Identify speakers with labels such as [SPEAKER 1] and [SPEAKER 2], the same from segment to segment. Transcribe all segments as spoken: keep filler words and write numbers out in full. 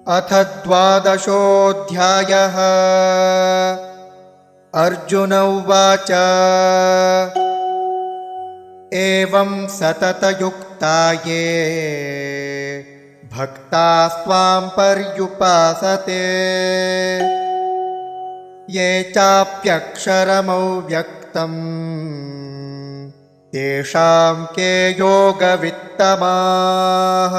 [SPEAKER 1] अथ द्वादशोऽध्यायः। अर्जुन उवाच एवं सततयुक्ता ये भक्तास्त्वां पर्युपासते ये चाप्यक्षरमव्यक्तं तेषां के योगवित्तमाः।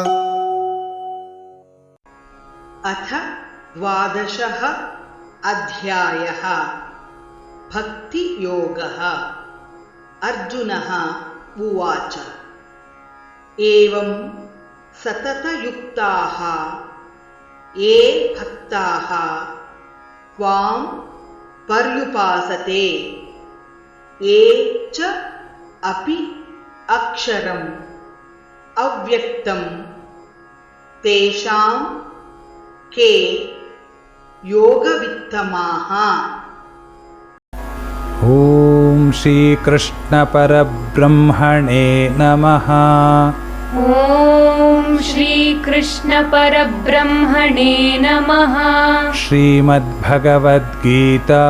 [SPEAKER 2] अथ द्वादशः अध्यायः। भक्तियोगः। अर्जुनः उवाच एवं सततयुक्ताः ये भक्ताः त्वां पर्युपासते ये च अपि अक्षरम् अव्यक्तं तेषां के योगवित्तमाः।
[SPEAKER 3] ॐ श्रीकृष्ण परब्रह्मणे नमः।
[SPEAKER 4] ॐ श्रीकृष्ण परब्रह्मणे नमः।
[SPEAKER 3] श्रीमद्भगवद्गीता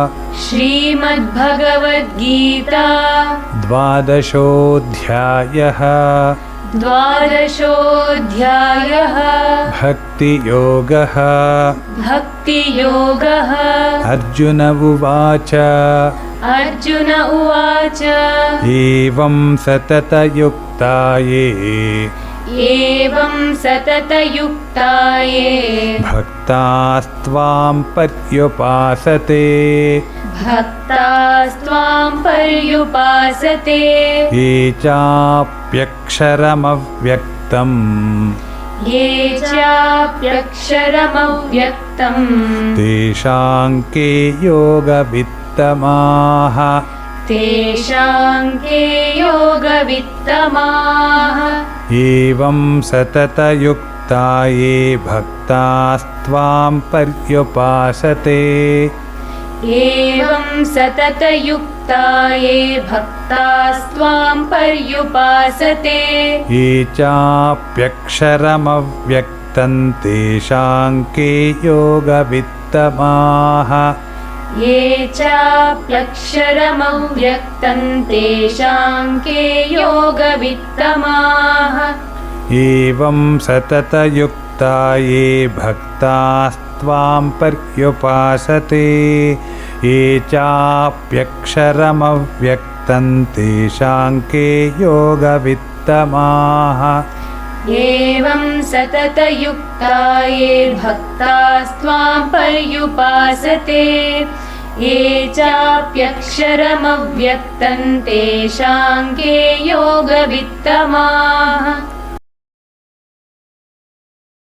[SPEAKER 4] श्रीमद्भगवद्गीता
[SPEAKER 3] द्वादशोऽध्यायः।
[SPEAKER 4] द्वादशोऽध्यायः।
[SPEAKER 3] भक्तियोगः।
[SPEAKER 4] भक्तियोगः।
[SPEAKER 3] अर्जुन उवाच
[SPEAKER 4] अर्जुन उवाच
[SPEAKER 3] एवं सततयुक्ता ये
[SPEAKER 4] एवं सततयुक्ता ये
[SPEAKER 3] भक्तास्त्वां पर्युपासते
[SPEAKER 4] भक्तास्त्वां पर्युपासते
[SPEAKER 3] ये चाप्यक्षरमव्यक्तम्
[SPEAKER 4] ये चाप्यक्षरमव्यक्तं
[SPEAKER 3] तेषां के योगवित्तमाः।
[SPEAKER 4] तेषां के योगवित्तमाः।
[SPEAKER 3] एवं सततयुक्ता ये भक्तास्त्वां पर्युपासते
[SPEAKER 4] एवं सततयुक्ता ये भक्तास्त्वां पर्युपासते
[SPEAKER 3] ये चाप्यक्षरमव्यक्तं तेषां के योगवित्तमाः।
[SPEAKER 4] ये चाप्यक्षरमव्यक्तं तेषां के योगवित्तमाः।
[SPEAKER 3] एवं सततयुक्ता ये भक्तास्त्वां पर्युपासते ये चाप्यक्षरमव्यक्तं तेषां के योगवित्तमाः।
[SPEAKER 4] एवं सततयुक्ता ये भक्तास्त्वां पर्युपासते ये चाप्यक्षरमव्यक्तं तेषां के योगवित्तमाः।